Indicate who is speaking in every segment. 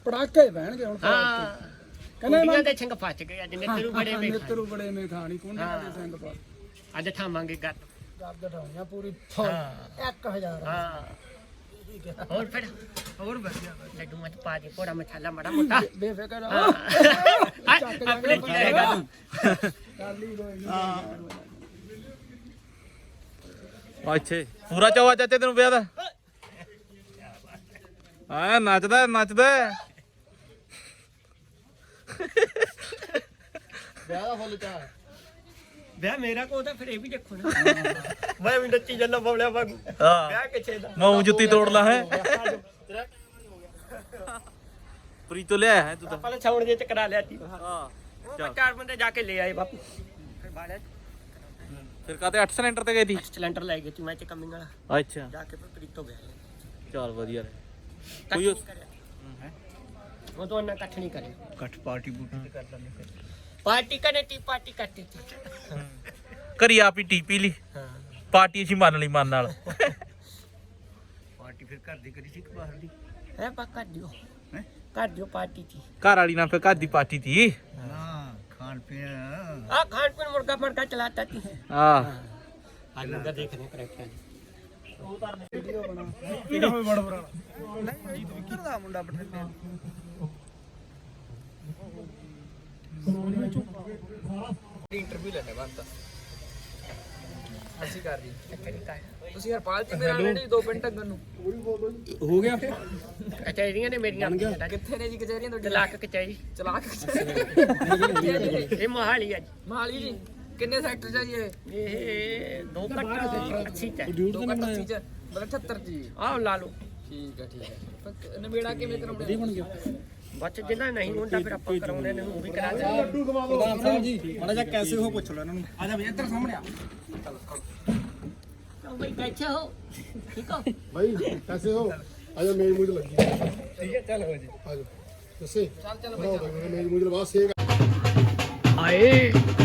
Speaker 1: ਪੜਾਕੇ ਪੈਣਗੇ ਹੁਣ
Speaker 2: ਹਾਂ ਕੁੰਡੀਆਂ ਦੇ ਸਿੰਘ ਫਸ ਗਏ ਅੱਜ ਨਿੱਤਰੂ ਬੜੇ ਮੇ
Speaker 1: ਨਿੱਤਰੂ ਬੜੇ ਮੇ ਖਾਣੀ ਕੁੰਡੀਆਂ ਦੇ ਸਿੰਘ ਪਾ
Speaker 2: ਅੱਜ ਠਾਵਾਂਗੇ ਗੱਤ
Speaker 1: ਗੱਦ ਠਾਉਣੀਆਂ ਪੂਰੀ 1000
Speaker 2: ਹਾਂ ਹੋਰ ਫਿਰ ਹੋਰ ਵਧੀਆ ਲੱਡੂ ਮਤ ਪਾ ਦੇ ਕੋੜਾ ਮਸਾਲਾ ਮੜਾ ਮੋਟਾ
Speaker 1: ਬੇਫਿਕਰ
Speaker 2: ਆਪਣੇ ਕੀ ਰਹੇਗਾ
Speaker 1: ਕਰ ਲਈ ਕੋਈ
Speaker 3: ਅੱਛੇ ਪੂਰਾ ਚਾਵਾ ਚਾਚੇ ਤੈਨੂੰ ਵਿਆਹ ਦਾ ਆ ਨੱਚਦਾ ਨੱਚਦਾ
Speaker 1: ਵਿਆਹ ਦਾ ਫੁੱਲ ਚਾਹ
Speaker 2: ਵਿਆਹ ਮੇਰਾ ਕੋ ਤਾਂ ਫਿਰ ਇਹ ਵੀ ਦੇਖੋ ਨਾ ਮੈਂ ਵੀ ਨੱਚੀ ਜਾਂਦਾ ਬਵਲਿਆ ਵਾਂਗੂ
Speaker 3: ਹਾਂ
Speaker 2: ਵਿਆਹ ਕਿੱਥੇ ਦਾ
Speaker 3: ਮੂੰਹ ਜੁੱਤੀ ਤੋੜ ਲਾ ਹੈ ਪ੍ਰੀ ਤੋਂ ਲਿਆ ਹੈ ਤੂੰ ਤਾਂ
Speaker 2: ਆਪਾਂ ਛਾਉਣ ਜੇ ਚ ਕਰਾ ਲਿਆ ਸੀ
Speaker 3: ਹਾਂ
Speaker 2: ਉਹ ਚਾਰ ਬੰਦੇ ਜਾ ਕੇ ਲੈ ਆਏ ਬਾਪੂ ਫਿਰ ਬਾੜਿਆ
Speaker 3: ਫਿਰ ਕਾਤੇ 8 ਸਿਲੰਡਰ ਤੇ ਗਈ ਸੀ
Speaker 2: ਸਿਲੰਡਰ ਲੈ ਗਏ ਸੀ ਮੈਂ ਤੇ ਕਮਿੰਗ ਵਾਲਾ
Speaker 3: ਅੱਛਾ
Speaker 2: ਜਾ ਕੇ ਫਿਰ ਪ੍ਰੀਤੋਂ ਗਿਆ
Speaker 3: ਚੱਲ ਵਧੀਆ ਰਹੇ
Speaker 2: ਕੋਈ ਉਹ ਤੋਂ ਨਾ ਇਕੱਠ ਨਹੀਂ ਕਰੇ
Speaker 1: ਕੱਠ ਪਾਰਟੀ ਬੂਟੀ ਤੇ ਕਰ ਲਾਂਗੇ
Speaker 2: ਪਾਰਟੀ ਕਰੇ ਟੀ ਪਾਰਟੀ ਕਰਤੀ ਥੀ
Speaker 3: ਘਰੀ ਆਪ ਹੀ ਟੀਪੀ ਲਈ
Speaker 2: ਹਾਂ
Speaker 3: ਪਾਰਟੀ ਅਸੀਂ ਮੰਨ ਲਈ ਮਨ ਨਾਲ
Speaker 1: ਪਾਰਟੀ ਫਿਰ ਘਰ ਦੀ ਕਰੀ ਸੀ ਕਿ ਬਾਹਰ ਦੀ
Speaker 2: ਹੈ ਪਾ ਕਰ ਦਿਓ ਕਰ ਦਿਓ ਪਾਰਟੀ ਥੀ
Speaker 3: ਘਰ ਵਾਲੀ ਨਾਲ ਫਿਰ ਘਰ ਦੀ ਪਾਰਟੀ ਤੀ
Speaker 1: ਹਾਂ ਖਾਣ ਪੀਣ
Speaker 2: ਆ ਖਾਣ ਪੀਣ ਮੁਰਗਾ ਮਰਗਾ ਚਲਾਤਾ ਥੀ
Speaker 3: ਹਾਂ
Speaker 2: आज मुर्गा देखने करेक्ट
Speaker 1: ਵੀਡੀਓ ਬਣਾ ਕਿਹੜਾ ਹੋਵੇ ਬੜਾ ਬੜਾ ਨਹੀਂ ਜੀਤ ਵੀ ਕਿਹਦਾ ਮੁੰਡਾ ਬਠਿੰਡੇ ਇੰਟਰਵਿਊ ਲੈਣੇ ਬੰਦਾ ਅਸੀਂ ਕਰ ਰਹੀ ਤੁਸੀਂ ਹਰਪਾਲ ਜੀ ਮੇਰੇ ਨਾਲ ਨਹੀਂ 2 ਮਿੰਟ ਤੱਕ ਨੂੰ ਹੋ ਗਿਆ
Speaker 2: कचहरियां ने मेरियां
Speaker 1: ਕਿੱਥੇ ਨੇ ਜੀ ਕਚਹਿਰੀਆਂ ਤੁਹਾਡੀ
Speaker 2: चलाक कचहरी
Speaker 1: ਚਲਾਕ
Speaker 2: ये मोहाली है
Speaker 1: ਮਾਲੀ ਜੀ ਕਿੰਨੇ ਸੈਕਟਰ ਚ ਜੀ ਇਹ
Speaker 2: ये दो कट्टा 80 है
Speaker 1: 2 ਘੰਟੇ ਚ ਮਤਲਬ 78 ਜੀ
Speaker 2: आओ ला लो
Speaker 1: ਠੀਕ ਹੈ ਨਵੇੜਾ ਕਿਵੇਂ ਕਰਾਉਂਦੇ ਬਣ ਗਿਆ
Speaker 2: बच जिन्ना नहीं होता फिर आप कराने ने वो भी करा दे
Speaker 1: ਪ੍ਰਧਾਨ ਸਾਹਿਬ ਜੀ ਮਾੜਾ ਜਿਹਾ ਕੈਸੇ ਹੋ ਪੁੱਛ ਲਓ ਇਹਨਾਂ ਨੂੰ ਆ ਜਾ ਬਈ ਇੱਧਰ ਸਾਹਮਣੇ ਆ
Speaker 2: तो भाई कैसे हो ठीक हो
Speaker 4: भाई कैसे हो आजा मेरी मुझे लगी
Speaker 1: ਠੀਕ ਹੈ ਚੱਲ ਹੋ ਜੀ
Speaker 4: आजा कैसे
Speaker 1: ਚੱਲ
Speaker 4: बनाओ भाई मेरी मुझे बात से
Speaker 5: ਆਏ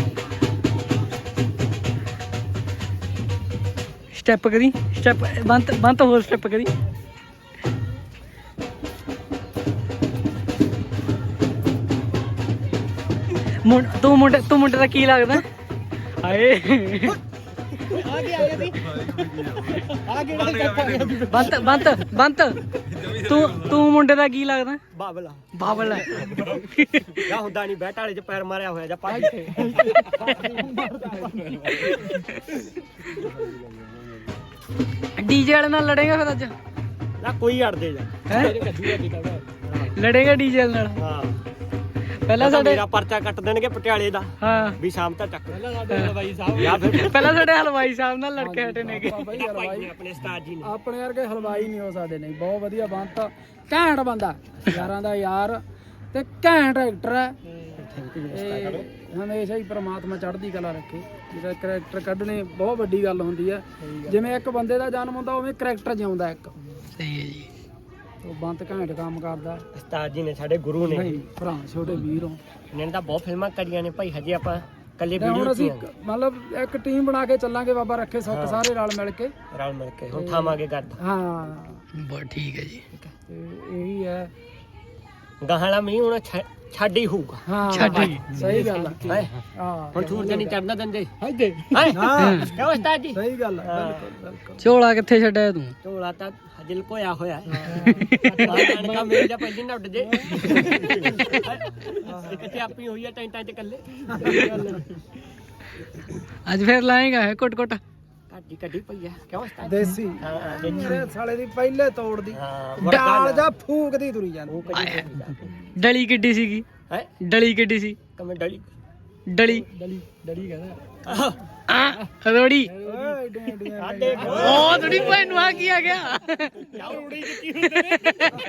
Speaker 5: ਸਟੈਪ ਕਰੀ ਸਟੈਪ ਬੰਤ ਹੋਰ ਸਟੈਪ ਕਰੀ ਤੂੰ ਮੁੰਡੇ ਦਾ ਕੀ ਲੱਗਦਾ ਹਾਏ ਬੰਤ ਤੂੰ ਮੁੰਡੇ ਦਾ ਕੀ ਲੱਗਦਾ
Speaker 2: बाबला
Speaker 5: ਬਾਬਲ ਹੈ
Speaker 2: या हुंदा नहीं बैठ वाले च पैर मारया होया जा पाटी
Speaker 5: ਡੀਜੇ ਵਾਲੇ ਨਾਲ ਲੜੇਗਾ ਫਿਰ ਅੱਜ
Speaker 2: ना कोई अड़ दे जा
Speaker 5: ਹੈ ਲੜੇਗਾ ਡੀਜੇ ਨਾਲ
Speaker 2: हां
Speaker 5: ਪਹਿਲਾਂ ਸਾਡੇ
Speaker 2: मेरा पर्चा कट देंगे पटियाले दा
Speaker 5: ਹਾਂ
Speaker 2: भी शाम तक चक
Speaker 1: ਹਲਵਾਈ ਸਾਹਿਬ
Speaker 2: या फिर
Speaker 5: ਪਹਿਲਾਂ ਸਾਡੇ ਹਲਵਾਈ ਸਾਹਿਬ ਨਾਲ ਲੜ ਕੇ ਹਟੇ ਨੇਗੇ
Speaker 1: ਭਾਈ ਹਲਵਾਈ
Speaker 2: अपने उस्ताद जी ने
Speaker 1: ਆਪਣੇ ਵਰਗੇ ਹਲਵਾਈ ਨਹੀਂ ਹੋ ਸਕਦੇ ਨਹੀਂ ਬਹੁਤ ਵਧੀਆ ਬੰਤ ਘੈਂਟ ਬੰਦਾ ਯਾਰਾਂ ਦਾ ਯਾਰ ਤੇ ਘੈਂਟ ਐਕਟਰ ਹੈ ਤੇ ਹਮੇਸ਼ਾ ਹੀ ਪ੍ਰਮਾਤਮਾ ਚੜ੍ਹਦੀ ਕਲਾ ਰੱਖੇ ਜਿਹੜਾ ਕਰੈਕਟਰ ਕੱਢਣੇ ਬਹੁਤ ਵੱਡੀ ਗੱਲ ਹੁੰਦੀ ਹੈ ਜਿਵੇਂ ਇੱਕ ਬੰਦੇ ਦਾ ਜਨਮ ਹੁੰਦਾ ਉਵੇਂ ਕਰੈਕਟਰ ਜਿਉਂਦਾ ਇੱਕ
Speaker 5: ਸਹੀ ਹੈ ਜੀ
Speaker 1: ਉਹ ਬੰਤ ਘੈਂਟ ਕੰਮ ਕਰਦਾ
Speaker 2: उस्ताद जी ने साडे गुरु ने
Speaker 1: ਨਹੀਂ ਭਰਾ ਛੋਟੇ ਵੀਰ ਹੋ
Speaker 2: इन्होंने तो बहुत फिल्मां करियां ने भाई हजे ਆਪਾਂ ਕੱਲੇ
Speaker 1: ਤੇ ਹੁਣ
Speaker 2: ਵੀਡੀਓ
Speaker 1: ਅਸੀਂ ਮਤਲਬ ਇੱਕ ਟੀਮ ਬਣਾ ਕੇ ਚੱਲਾਂਗੇ ਬਾਬਾ ਰੱਖੇ ਸੁੱਖ ਸਾਰੇ ਰਲ ਮਿਲ ਕੇ
Speaker 2: ਰਲ ਮਿਲ ਕੇ ਹੁਣ ਥਾਵਾਂਗੇ ਗੱਦ
Speaker 1: ਹਾਂ
Speaker 5: ਬਹੁਤ ਠੀਕ ਹੈ ਜੀ
Speaker 1: ਤੇ ਇਹੀ ਹੈ
Speaker 2: ਗਾਹਲਾ ਮੀਂਹ ਹੁਣ ਛੱਡ ਹੀ ਹੋਊਗਾ
Speaker 1: ਹਾਂ
Speaker 5: ਛੱਡੀ।
Speaker 1: ਸਹੀ ਗੱਲ ਹੈ
Speaker 2: ਹੈਂ?
Speaker 1: ਹਾਂ
Speaker 2: ਹੁਣ ਸੂਰਜ ਨਹੀਂ ਚੜਨਾ ਦਿੰਦੇ
Speaker 1: ਹਾਈਦੇ
Speaker 2: ਹਾਂ
Speaker 1: ਹਾਂ
Speaker 2: ਕਿਉਂ ਉਸਤਾਦ ਜੀ
Speaker 1: ਸਹੀ ਗੱਲ ਹੈ ਬਿਲਕੁਲ ਬਿਲਕੁਲ
Speaker 5: ਝੋਲਾ ਕਿੱਥੇ ਛੱਡਿਆ ਤੂੰ
Speaker 2: ਝੋਲਾ ਤਾਂ ਹਜਲ ਕੋਇਆ ਹੋਇਆ ਕਣਕਾਂ ਮੇਰੀ ਜਾਂ ਪਹਿਲੀ ਨਾ ਉੱਡ ਜੇ ਕਿਤੇ ਆਪੀ ਹੋਈ ਹੈ ਟੈਂਟਾਂ 'ਚ ਇਕੱਲੇ
Speaker 5: ਅੱਜ ਫੇਰ ਲਾਏਗਾ ਹੈ ਕੁੱਟ
Speaker 2: ਕੱਢੀ ਕੱਢੀ ਪਈ ਆ ਕਿਉਂ ਉਸਤਾਦ
Speaker 1: ਦੇਸੀ
Speaker 2: ਹਾਂ
Speaker 1: ਮੇਰੇ ਸਾਲੇ ਦੀ ਪਹਿਲੇ ਤੋੜਦੀ
Speaker 2: ਹਾਂ
Speaker 1: ਡਾਲ ਜਾਂ ਫੂਕਦੀ ਤੁਰੀ ਜਾਂਦੀ
Speaker 5: ਡਲੀ ਕਿੱਡੀ ਸੀਗੀ
Speaker 2: ਹੈ
Speaker 5: ਡਲੀ ਕਿੱਡੀ ਸੀ
Speaker 2: ਕਮੇ ਡਲੀ
Speaker 5: ਡਲੀ
Speaker 1: ਡਲੀ ਡਲੀ ਕਹਿੰਦਾ
Speaker 5: ਰੋੜੀ
Speaker 1: ਓਏ ਏਡੀਆਂ ਏਡੀਆਂ
Speaker 2: ਆ ਦੇਖ
Speaker 5: ਉਹ ਥੋੜੀ ਭੈਣ ਨੂੰ ਆ ਕੀ ਆ ਗਿਆ
Speaker 2: ਉੜੀ ਜਿੱਤੀ ਹੁੰਦੇ ਨੇ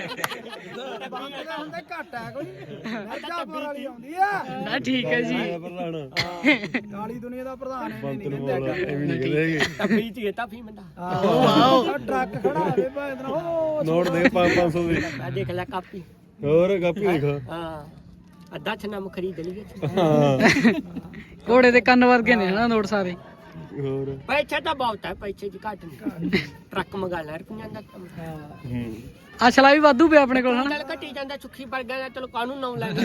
Speaker 1: ਹੁੰਦੇ ਘੱਟ ਆ ਕੋਈ ਮਿਰਜ਼ਾਪੁਰ ਵਾਲੀ ਆਉਂਦੀ ਆ
Speaker 5: ਨਾ ਠੀਕ ਹੈ ਜੀ
Speaker 1: ਕਾਲੀ ਦੁਨੀਆ ਦਾ ਪ੍ਰਧਾਨ ਐ ਨਹੀਂ ਕਹਿੰਦੇ
Speaker 2: ਤਪੀ ਧੀਏ ਤਾਫੀ ਮੰਦਾ
Speaker 1: ਆਹ ਟਰੱਕ ਖੜਾ ਹੋਵੇ ਭਾਵੇਂ ਉਹ
Speaker 4: नोट दे 500 दे
Speaker 2: ਆ ਦੇਖ ਲੈ ਕਾਪੀ
Speaker 4: और कापी देखो
Speaker 2: ਹਾਂ ਅੱਧਾ ਛਨਾ ਖਰੀਦ ਲਈਏ
Speaker 5: ਘੋੜੇ ਦੇ ਕੰਨ ਵਰਗੇ ਨੇ ਹਨਾ ਨੋਟ ਸਾਰੇ
Speaker 4: ਹੋਰ
Speaker 2: ਪੈਸੇ ਤਾਂ ਬਹੁਤ ਹੈ, ਪੈਸੇ ਦੀ ਘੱਟ ਨਹੀਂ। ਟਰੱਕ ਮੰਗਾ ਲੈ ਰੁਪਈਆਂ ਦਾ ਕੰਮ।
Speaker 5: ਅਸਲਾ ਵੀ ਵਾਧੂ ਪਿਆ ਆਪਣੇ ਕੋਲ ਹਨਾ।
Speaker 2: ਨਾਲ ਘਟੀ ਜਾਂਦਾ ਸੁੱਖੀ ਵਰਗਾ ਦਾ, ਚਲੋ ਕਾਹਨੂੰ ਨਾ ਲੈਣਾ।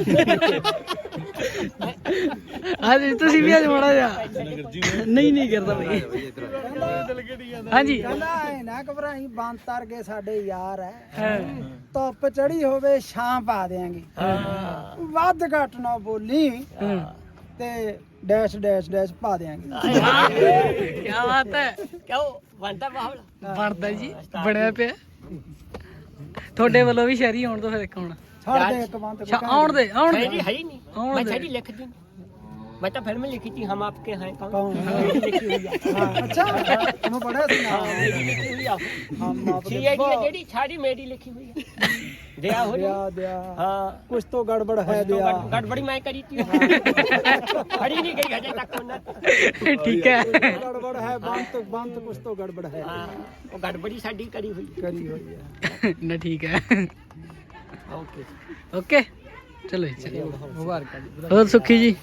Speaker 5: ਹਾਂਜੀ ਤੁਸੀਂ ਵੀ ਅੱਜ ਮਾੜਾ ਜਿਹਾ ਨਹੀਂ ਕਰਦਾ ਬਈ। ਹਾਂਜੀ
Speaker 1: ਕਹਿੰਦਾ ਐ ਨਾ ਘਬਰਾਈ, ਬੰਤਰ ਕੇ ਸਾਡੇ ਯਾਰ ਐ, ਧੁੱਪ ਚੜੀ ਹੋਵੇ ਛਾਂ ਪਾ ਦੇਾਂਗੇ, ਵੱਧ ਘੱਟ ਨਾ ਬੋਲੀ ਤੇ ਡੈਸ਼ ਡੈਸ਼ ਡੈਸ਼ ਪਾ ਦੇਾਂਗੇ।
Speaker 5: ਕੀ ਬਾਤ ਹੈ।
Speaker 2: ਕਿਉਂ ਬਣਦਾ ਬਾਹਲਾ
Speaker 5: ਬਣਦਾ ਜੀ, ਬਣਿਆ ਪਿਆ। ਤੁਹਾਡੇ ਵੱਲੋਂ ਵੀ ਸ਼ਹਿਰੀ ਆਉਣ ਤੋਂ ਫਿਰ ਇੱਕ ਹੁਣ
Speaker 1: ਛੱਡ ਦੇ ਇੱਕ ਬੰਤ
Speaker 5: ਆਉਣ ਦੇ
Speaker 2: ਸ਼ਾਇਰੀ ਹੈ ਹੀ ਨਹੀਂ।
Speaker 5: ਆਉਣ
Speaker 2: ਮੈਂ
Speaker 5: ਦੇ।
Speaker 2: ਸ਼ਾਇਰੀ ਲਿਖਦੀ नहीं। मैं तो फिल्म लिखी थी हम आपके हैं कौन।
Speaker 1: कौन?
Speaker 2: मेरी लिखी हुई है।
Speaker 1: अच्छा तुम पढ़ा सी ना
Speaker 2: मेरी लिखी हुई है।
Speaker 1: हम आपके
Speaker 2: CID है जेडी सारी मेरी लिखी हुई है। दया हो
Speaker 1: दिया
Speaker 2: रही।
Speaker 1: दिया
Speaker 2: हाँ
Speaker 1: कुछ तो गड़बड़ है
Speaker 2: तो
Speaker 1: दिया
Speaker 2: गड़बड़ी मैं करी थी। खड़ी नहीं गई अजय तक उन्हें।
Speaker 5: ठीक है।
Speaker 1: गड़बड़ है बंत कुछ तो गड़बड़ है
Speaker 2: हाँ वो गड़बड़ी साडी करी हुई
Speaker 1: करी हुई है।
Speaker 5: ना ठीक है।
Speaker 2: ओके
Speaker 5: ओके चलो जी, चलो
Speaker 1: मुबारक
Speaker 5: ਹੋਰ ਸੁੱਖੀ ਜੀ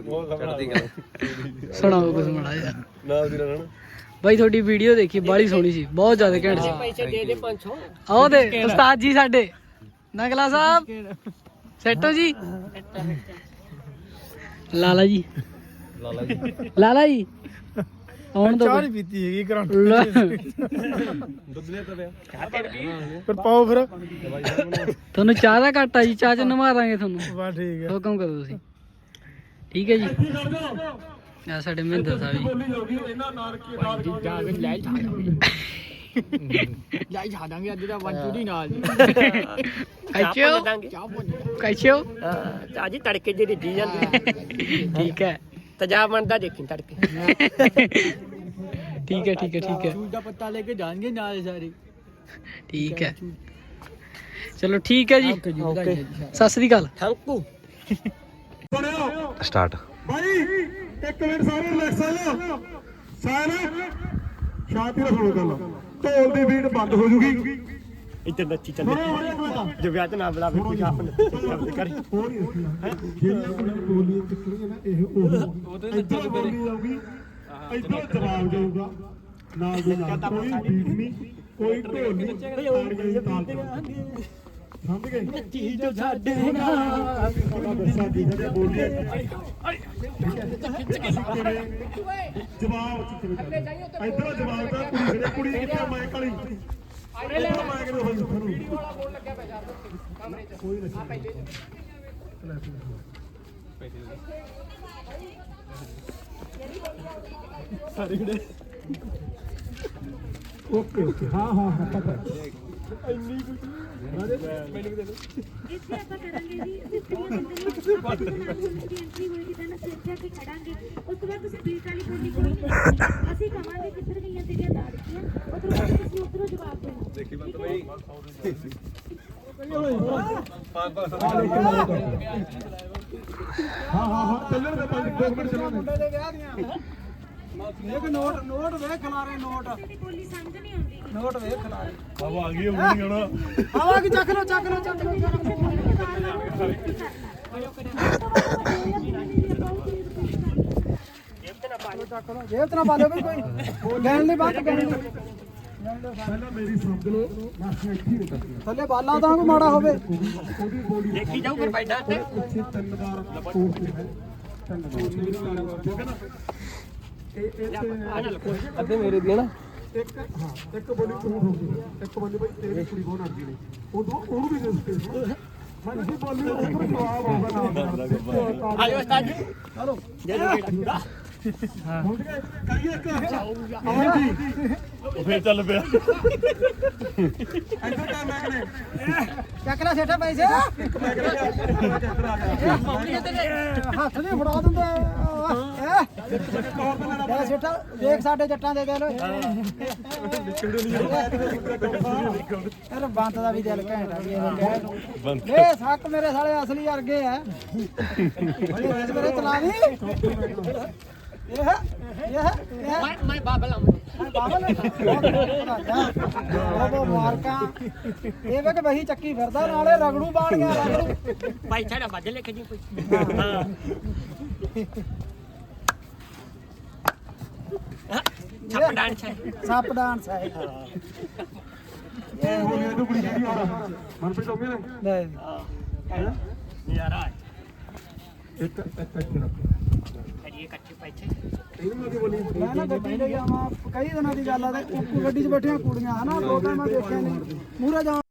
Speaker 5: ਸੁਣਾਓ ਕੁਝ ਮਾੜਾ ਜਿਹਾ।
Speaker 4: ਨਾਲ ਦੀ ਨਾਲ
Speaker 5: ਬਾਈ ਤੁਹਾਡੀ ਵੀਡੀਓ ਦੇਖੀ, ਬਾਲੀ ਸੋਹਣੀ ਸੀ, ਬਹੁਤ ਜ਼ਿਆਦਾ ਘੈਂਟ ਸੀ।
Speaker 2: पैसे दे दे 500।
Speaker 5: ਆਓ ਦੇ ਉਸਤਾਦ ਜੀ ਸਾਡੇ ਨਗਲਾ ਸਾਹਿਬ ਸੈਟੋ ਜੀ, ਲਾਲਾ ਜੀ ਆਉਣ ਦੋ।
Speaker 1: पीती है करंट
Speaker 4: ਦੁੱਧ ਲਿਆ ਤਾਂ ਪਿਆ
Speaker 1: पर पाओ फिर
Speaker 5: ਤੁਹਾਨੂੰ ਚਾਹ ਦਾ ਘੱਟ ਆ ਜੀ, ਚਾਹ ਚ ਨਵਾ ਦਾਂਗੇ ਤੁਹਾਨੂੰ।
Speaker 1: बस ठीक है
Speaker 5: ਹੁਕਮ ਕਰੋ ਤੁਸੀਂ। ਠੀਕ ਹੈ ਜੀ। ਆ ਸਾਡੇ ਮਹਿੰਦਰ ਸਾਹਿਬ ਜੀ।
Speaker 1: ਜਾਈ ਛਾ ਦਾਂਗੇ ਅੱਜ ਦਾ ਵੰਜੂ ਦੀ ਨਾਲ
Speaker 5: ਕਾਇਚੋ
Speaker 2: ਤਾਜੀ ਤੜਕੇ ਜਿਹੜੀ ਜੀ ਜਾਂਦੀ
Speaker 5: ਠੀਕ ਹੈ
Speaker 2: ਤਜਾਬ ਬਣਦਾ ਦੇਖੀ ਤੜਕੇ।
Speaker 5: ਠੀਕ ਹੈ ਠੀਕ ਹੈ ਠੀਕ ਹੈ
Speaker 1: ਚੂਜ ਦਾ ਪੱਤਾ ਲੈ ਕੇ ਜਾਣਗੇ ਨਾਲ ਸਾਰੇ।
Speaker 5: ਠੀਕ ਹੈ ਚਲੋ ਠੀਕ ਹੈ ਜੀ, ਸਤਿ ਸ੍ਰੀ ਅਕਾਲ।
Speaker 2: ਥੈਂਕੂ
Speaker 3: ਸਟਾਰਟ
Speaker 4: ਭਾਈ ਇੱਕ ਮਿੰਟ ਸਾਰੇ ਰਿਲੈਕਸ ਆ ਜਾਓ ਸਾਰੇ ਸ਼ਾਂਤੀ ਨਾਲ ਸੁਣੋ ਗੱਲ ਢੋਲ ਦੀ ਬੀਟ ਬੰਦ ਹੋ ਜੂਗੀ
Speaker 2: ਇੱਧਰ ਨੱਚੀ ਚੱਲੇ ਜੋ ਵਿਆਹ ਤੇ ਨਾ ਬੁਲਾਵੇ ਕੋਈ ਆਪ ਨੱਚੀ ਕਰੀ।
Speaker 4: ਜਿਹੜੀਆਂ ਬੋਲੀਆਂ ਚੱਕਣੀਆਂ ਨਾ ਇਹ ਉਹ ਇੱਧਰ ਬੋਲੀ ਜਾਊਗੀ ਇੱਧਰ ਜਵਾਬ ਜਾਊਗਾ ਨਾਲ ਦੀ ਨਾਲ ਕੋਈ ਬੀਟ ਨਹੀਂ ਕੋਈ ਢੋਲ ਨਹੀਂ ਤਾੜੀਆਂ ਦੀ ਤਾਲ ਤੇ ਸਮਝ ਗਏ ਨੱਚੀ ਜੋ ਸਾਡੇ ਨਾਲ ਸਾਡੀ ਜਿਹੜੀ ਬੋਲੀ ਹੈ ਜਵਾਬ ਇੱਧਰ ਜਵਾਬ ਦਾ ਕੁੜੀ ਜਿਹੜੇ ਕੁੜੀ ਕਿੱਥੇ ਮੈਂ ਕਾਲੀ ਇੱਧਰ ਮੈਂ ਕਿਹਨੂੰ ਹੋਈ ਤੁਹਾਨੂੰ ਵੀਡੀਓ ਵਾਲਾ ਬੋਲ ਲੱਗਿਆ ਪਿਆ ਯਾਰ ਕਮਰੇ ਚ ਕੋਈ ਨਹੀਂ ਆ ਪਹਿਲੇ ਸਾਰੇ ਜਿਹੜੇ ਓਕੇ ਓਕੇ ਹਾਂ ਹਾਂ ਪਤਾ ਇੰਨੀ ਕੁਝ ਮੈਨੂੰ ਦੇ
Speaker 6: ਇੱਥੇ ਆਪਾਂ ਕਰਾਂਗੇ ਜੀ ਅਸੀਂ ਐਂਟਰੀ ਹੋਏਗੀ ਤਾਂ ਅਸੀਂ ਇੱਥੇ ਆ ਕੇ ਖੜਾਂਗੇ। ਉਸ ਤੋਂ ਬਾਅਦ ਤੁਸੀਂ ਬੀਟ ਵਾਲੀ ਬੋਲੀ ਬੋਲੋਗੇ, ਅਸੀਂ ਕਹਾਂਗੇ ਕਿੱਧਰ ਗਈਆਂ ਤੇਰੀਆਂ ਦਾੜੀਆਂ, ਉਧਰੋਂ ਬਾਅਦ ਤੁਸੀਂ ਉਧਰੋਂ ਜਵਾਬ ਦੇਣਾ। ਦੇਖੀ ਬੰਦ ਬਈ
Speaker 4: ਹਾਂ ਚੱਲਣ ਦੇ 5 ਮਿੰਟ ਚੱਲਣ
Speaker 1: ਮੁੰਡੇ ਦੇ ਵਿਆਹ ਦੀਆਂ ਇੱਕ ਨੋਟ ਵੇਖ ਖਲਾਰੇ ਨੋਟ
Speaker 6: ਤੇਰੀ ਬੋਲੀ ਸਮਝ ਨਹੀਂ ਆਉਂਦੀ।
Speaker 1: ਨੋਟ ਵੇਖ ਖਲਾਰੇ
Speaker 4: ਹਵਾ ਆ ਗਈ ਹੋਣੀ ਹੁਣ
Speaker 1: ਆਵਾ ਕੀ ਚੱਕ ਲੋ ਜੇਬ ਤੇ ਨਾ ਪਾ ਲਿਓ ਵੀ ਕੋਈ ਗੈਣ ਨਹੀਂ ਬਾਤ ਗੈਣ ਨਹੀਂ
Speaker 4: ਪਹਿਲਾਂ ਮੇਰੀ ਸਮਝ ਲਓ ਬਸ ਇੱਥੇ ਹੀ ਰੁਕ
Speaker 1: ਥੱਲੇ ਬਾਲਾਂ ਤਾਂ ਕੋਈ ਮਾੜਾ ਹੋਵੇ
Speaker 4: ਉਹਦੀ ਬੋਲੀ
Speaker 2: ਦੇਖੀ ਜਾਊ ਫਿਰ ਪੈਡਾ ਤੇ
Speaker 4: ਪਿੱਛੇ 3 ਵਾਰ ਕੋਰਸ ਹੈ 3 ਵਾਰ ਠੀਕ ਹੈ ਨਾ ਇਹ
Speaker 1: ਅੱਧੇ ਮੇਰੇ ਦੀ ਹੈ ਨਾ
Speaker 4: ਇੱਕ ਹਾਂ ਇੱਕ ਬੋਲੀ ਤੂੰ ਹੋਊਗੀ ਇੱਕ ਬੋਲੀ ਬਈ ਤੇਰੀ ਕੁੜੀ ਕੋਣ ਅੜਦੀ ਨੇ ਉਦੋਂ ਉਹਨੂੰ ਵੀ ਦੇ ਸਪੇਸ ਮੈਂ ਜੀ ਬੋਲੀ ਉਹ ਜਵਾਬ ਆਊਗਾ ਨਾ
Speaker 2: ਆਜੋ ਉਸਤਾਦ ਜੀ
Speaker 1: ਚਲੋ
Speaker 4: ਹੁਣ ਕਰੀਏ ਇੱਕ ਆਵਾਂ ਜੀ ਉਹ ਫੇਰ ਚੱਲ ਪਿਆ ਇੱਧਰ ਕਰ ਮੈਂ ਕਨੇ
Speaker 1: ਚੱਕ ਲੈ ਸੇਠਾ ਪੈਸੇ ਹੱਥ ਨਹੀਂ ਫੜਾ ਦਿੰਦੇ ਲੈ ਸੇਠਾ ਦੇਖ ਸਾਡੇ ਜੱਟਾਂ ਦੇ ਦਿਲ ਯਾਰ ਬੰਤ ਦਾ ਵੀ ਦਿਲ ਘੈਂਟ ਆ ਵੀ ਇਹ ਸੱਕ ਮੇਰੇ ਸਾਲੇ ਅਸਲੀ ਵਰਗੇ ਆ ਇਹ ਮੇਰੇ ਚਲਾਵੀ
Speaker 2: ਮੈਂ ਬਾਬਲ
Speaker 1: ਬਾਬਲ ਬਾਬਾ ਮਾਰਕਾ ਇਹ ਵੇ ਕਿ ਵਹੀ ਚੱਕੀ ਫਿਰਦਾ ਨਾਲੇ ਰਗੜੂ ਬਾਣ ਗਿਆ ਰਗੜੂ
Speaker 2: ਭਾਈ ਛੜਾ ਵੱਧ ਲਿਖ ਜੀ ਕੋਈ। ਹਾਂ ਛੱਪ ਡਾਂਸ ਹੈ
Speaker 1: ਸੱਪ ਡਾਂਸ ਹੈ
Speaker 4: ਇਹ ਬੋਲੀ ਤੂੰ ਕੁੜੀ ਜਿਹੜੀ ਹੋਰ ਮਨਪ੍ਰੀਤ ਹੋ ਗਏ ਨੇ
Speaker 2: ਯਾਰਾ
Speaker 4: ਇੱਕ ਰੱਖ
Speaker 2: ਕਰੀਏ ਇਕੱਠੇ ਪੈਸੇ
Speaker 4: ਇਹਨੂੰ ਮੈਂ ਕੀ ਬੋਲੀ
Speaker 1: ਮੈਂ ਨਾ ਗੱਡੀ ਤੇ ਜਾਵਾਂ ਕਈ ਦਿਨਾਂ ਦੀ ਗੱਲ ਆ ਤੇ ਗੱਡੀ 'ਚ ਬੈਠੀਆਂ ਕੁੜੀਆਂ ਹਨਾ ਦੋ ਤਾਂ ਮੈਂ ਦੇਖਿਆ ਨਹੀਂ ਮੂਹਰੇ ਜਾ